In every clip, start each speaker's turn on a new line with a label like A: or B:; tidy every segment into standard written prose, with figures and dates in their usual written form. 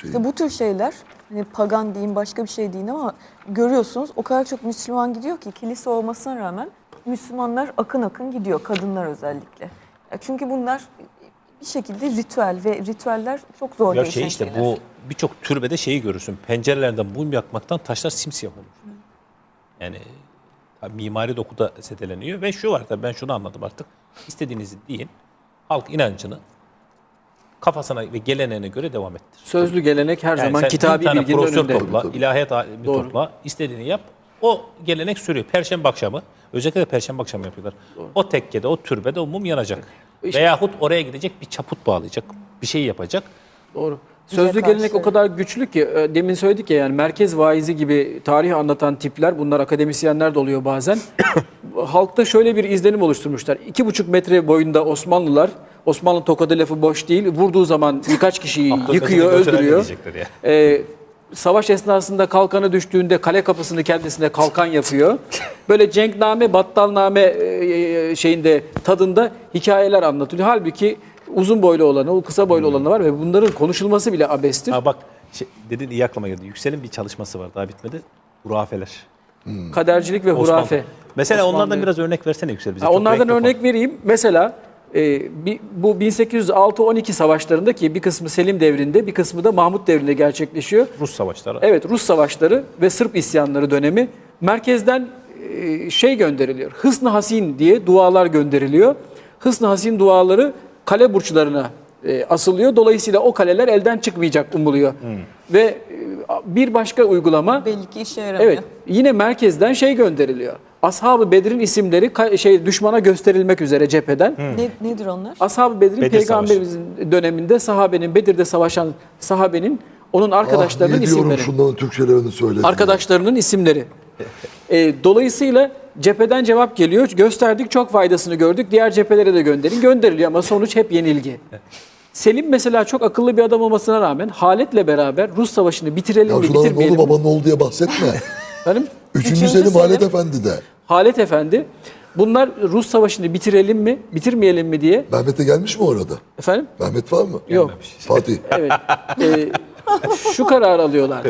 A: şeyi.
B: İşte bu tür şeyler, hani pagan deyin başka bir şey deyin ama görüyorsunuz o kadar çok Müslüman gidiyor ki kilise olmasına rağmen Müslümanlar akın akın gidiyor, kadınlar özellikle. Çünkü bunlar bir şekilde ritüel ve ritüeller çok zor
C: Ya
B: değişen
C: işte
B: şeyler.
C: bu birçok türbede şeyi görürsün. Pencerelerden mum yakmaktan taşlar simsiyah olur. Yani mimari dokuda zedeleniyor ve şu var da ben şunu anladım artık. İstediğinizi deyin. Halk inancını kafasına ve geleneğine göre devam ettir.
D: Sözlü gelenek her zaman kitabi bilginin önünde.
C: Topla, ilahiyat alimi topla, istediğini yap. O gelenek sürüyor. Perşembe akşamı, özellikle de Perşembe akşamı yapıyorlar. Doğru. O tekkede, o türbede o mum yanacak. İşte, veyahut oraya gidecek bir çaput bağlayacak, bir şey yapacak.
D: Doğru. Sözlü gelenek o kadar güçlü ki demin söyledik ya, yani merkez vaizi gibi tarih anlatan tipler, bunlar akademisyenler de oluyor bazen. Halkta şöyle bir izlenim oluşturmuşlar. 2,5 metre boyunda Osmanlılar, Osmanlı tokadı lafı boş değil, vurduğu zaman birkaç kişiyi yıkıyor, öldürüyor. Savaş esnasında kalkanı düştüğünde kale kapısını kendisine kalkan yapıyor. Böyle cenkname, battalname şeyinde, tadında hikayeler anlatılıyor. Halbuki uzun boylu olanı, o kısa boylu olanı var ve bunların konuşulması bile abestir.
C: Ha bak, dedin iyi aklıma geldi. Yüksel'in bir çalışması var, daha bitmedi. Hurafeler.
D: Kadercilik ve hurafe.
C: Mesela onlardan biraz örnek versene Yüksel bize.
D: Onlardan örnek vereyim. Mesela bu 1806-12 savaşlarında, ki bir kısmı Selim devrinde, bir kısmı da Mahmut devrinde gerçekleşiyor.
C: Rus savaşları.
D: Evet, Rus savaşları ve Sırp isyanları dönemi. Merkezden şey gönderiliyor. Hısn-ı Hasin diye dualar gönderiliyor. Hısn-ı Hasin duaları kale burçlarına asılıyor. Dolayısıyla o kaleler elden çıkmayacak umuluyor. Ve bir başka uygulama,
B: belli ki işe yaramıyor.
D: evet, yine merkezden şey gönderiliyor. Ashab-ı Bedir'in isimleri düşmana gösterilmek üzere cepheden.
B: Nedir onlar?
D: Ashab-ı Bedir'in
C: Bedir
D: Peygamberimizin döneminde sahabenin, Bedir'de savaşan sahabenin, onun arkadaşlarının isimleri.
A: Şunların Türkçelerini söyle.
D: Arkadaşlarının isimleri. Dolayısıyla cepheden cevap geliyor. Gösterdik, çok faydasını gördük. Diğer cephelere de gönderin. Gönderiliyor ama sonuç hep yenilgi. Selim mesela çok akıllı bir adam olmasına rağmen Halet'le beraber Rus savaşını bitirelim mi,
A: şunların
D: bitirmeyelim
A: oğlu
D: mi?
A: babanın oğlu diye bahsetme.
D: Efendim?
A: Üçüncü Selim Halet Efendi de.
D: Halet Efendi. Bunlar Rus savaşını bitirelim mi, bitirmeyelim mi diye.
A: Mehmet'e gelmiş mi orada?
D: Efendim?
A: Mehmet var mı?
D: Yok.
A: Fatih.
D: Evet. Şu karar alıyorlar.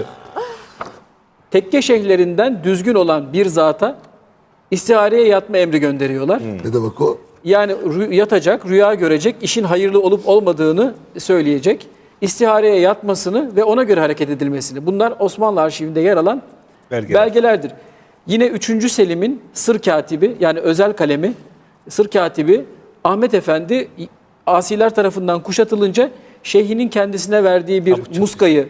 D: Tekke şeyhlerinden düzgün olan bir zata istihareye yatma emri gönderiyorlar.
A: Ne demek o?
D: Yani yatacak, rüya görecek, işin hayırlı olup olmadığını söyleyecek. İstihareye yatmasını ve ona göre hareket edilmesini. Bunlar Osmanlı arşivinde yer alan belgelerdir. Yine 3. Selim'in sır katibi, yani özel kalemi, sır katibi Ahmet Efendi asiler tarafından kuşatılınca şeyhinin kendisine verdiği bir muskayı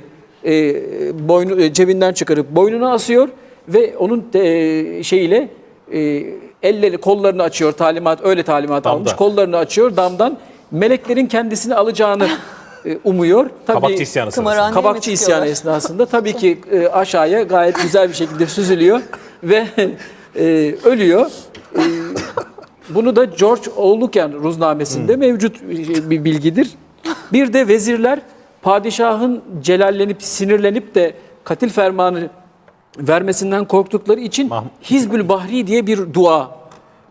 D: cebinden çıkarıp boynuna asıyor ve onun şeyiyle elleri, kollarını açıyor, öyle talimat almış, kollarını açıyor, damdan meleklerin kendisini alacağını umuyor. Tabii,
C: Kabakçı isyanı sırasında.
D: Kabakçı isyanı esnasında tabii ki aşağıya gayet güzel bir şekilde süzülüyor ve ölüyor. Bunu da George Oğluken Ruznamesi'nde mevcut bir bilgidir. Bir de vezirler padişahın celallenip, sinirlenip de katil fermanı vermesinden korktukları için Hizbül Bahri diye bir dua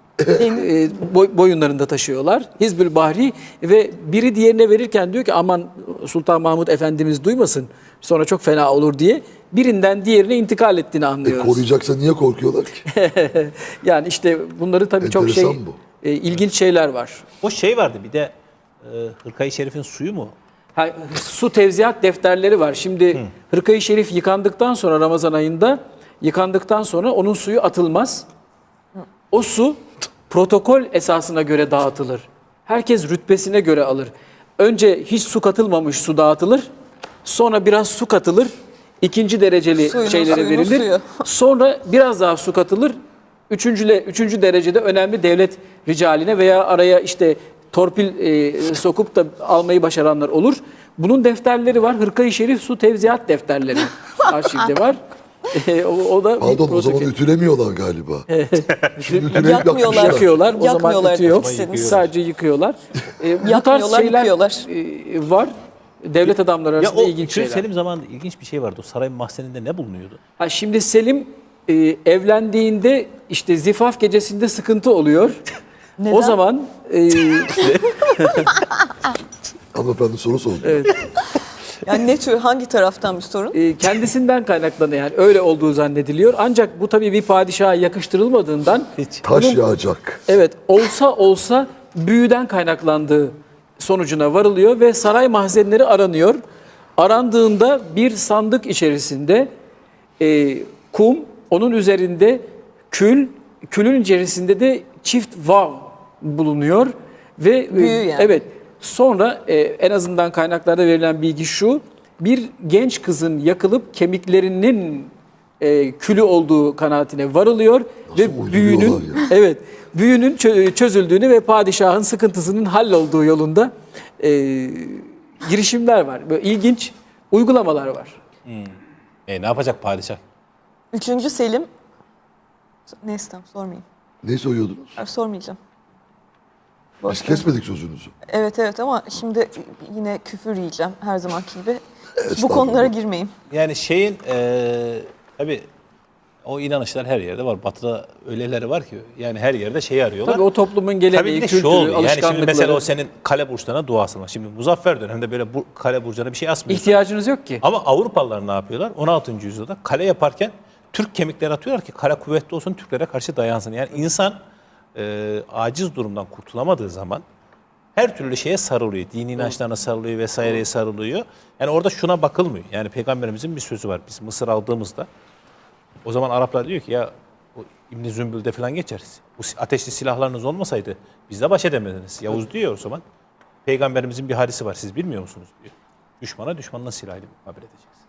D: boyunlarında taşıyorlar. Hizbül Bahri, ve biri diğerine verirken diyor ki aman Sultan Mahmud Efendimiz duymasın, sonra çok fena olur diye birinden diğerine intikal ettiğini anlıyoruz.
A: Koruyacaksa niye korkuyorlar ki?
D: Yani işte bunları tabii çok ilginç şeyler var.
C: O şey vardı bir de Hırkayı Şerif'in suyu mu?
D: Su tevziat defterleri var. Şimdi Hırkayı Şerif yıkandıktan sonra, Ramazan ayında yıkandıktan sonra onun suyu atılmaz. O su protokol esasına göre dağıtılır. Herkes rütbesine göre alır. Önce hiç su katılmamış su dağıtılır. Sonra biraz su katılır. İkinci dereceli şeylere verilir. Sonra biraz daha su katılır. Üçüncü derecede önemli devlet ricaline veya araya işte torpil sokup da almayı başaranlar olur. Bunun defterleri var. Hırkayı Şerif su tevziat defterleri arşivde var. O da
A: pardon, o zaman ütülemiyorlar galiba.
B: Şimdi yakmıyorlar.
D: Yakıyorlar. O zaman ütü yok.
B: Sadece
D: yıkıyorlar. Bu tarz şeyler var. Devlet adamları arasında ilginç şeyler.
C: Selim zamanında ilginç bir şey vardı. O sarayın mahzeninde ne bulunuyordu?
D: Şimdi Selim evlendiğinde işte zifaf gecesinde sıkıntı oluyor.
B: Neden?
D: O zaman
A: Hanımefendi soru sordu.
D: evet.
B: Yani ne tür, hangi taraftan bir sorun?
D: Kendisinden kaynaklanıyor, yani öyle olduğu zannediliyor. Ancak bu tabii bir padişaha yakıştırılmadığından
A: Taş yağacak.
D: evet olsa büyüden kaynaklandığı sonucuna varılıyor ve saray mahzenleri aranıyor. Arandığında bir sandık içerisinde kum, onun üzerinde kül, külün içerisinde de çift vav bulunuyor ve
B: Büyü yani.
D: evet sonra en azından kaynaklarda verilen bilgi şu: bir genç kızın yakılıp kemiklerinin külü olduğu kanaatine varılıyor ve
A: uyduruyorlar
D: büyünün
A: ya?
D: evet büyünün çözüldüğünü ve padişahın sıkıntısının hallolduğu yolunda girişimler var. Böyle ilginç uygulamalar var.
C: Ne yapacak padişah?
B: 3. Selim, neyse tamam sormayayım.
A: Ne soyuyordunuz?
B: Sormayacağım.
A: Biz
B: Boş ver.
A: kesmedik sözünüzü.
B: Evet ama şimdi yine küfür yiyeceğim her zamanki gibi. Bu
A: Estağfurullah.
B: konulara girmeyeyim.
C: Yani şeyin tabii o inanışlar her yerde var. Batı'da öyleleri var ki yani her yerde şeyi arıyorlar.
D: Tabii o toplumun
C: Tabii bir
D: geleneği,
C: de şu
D: kültürü,
C: oluyor. Yani
D: alışkanlıkları.
C: şimdi mesela o senin kale burçlarına duasın var. Şimdi Muzaffer döneminde böyle bu kale burcuna bir şey asmıyorsun.
D: İhtiyacınız yok ki.
C: Ama Avrupalılar ne yapıyorlar? 16. yüzyılda kale yaparken Türk kemikleri atıyorlar ki kale kuvvetli olsun, Türklere karşı dayansın. Yani insan aciz durumdan kurtulamadığı zaman her türlü şeye sarılıyor. Dini inançlarına sarılıyor vesaireye sarılıyor. Yani orada şuna bakılmıyor. Yani Peygamberimizin bir sözü var. Biz Mısır aldığımızda o zaman Araplar diyor ki ya bu İbn-i Zümbül'de falan geçeriz. Bu ateşli silahlarınız olmasaydı bizle baş edemediniz. Yavuz diyor o zaman. Peygamberimizin bir hadisi var. Siz bilmiyor musunuz diyor. Düşmana düşmanla silahıyla mukabele edeceğiz.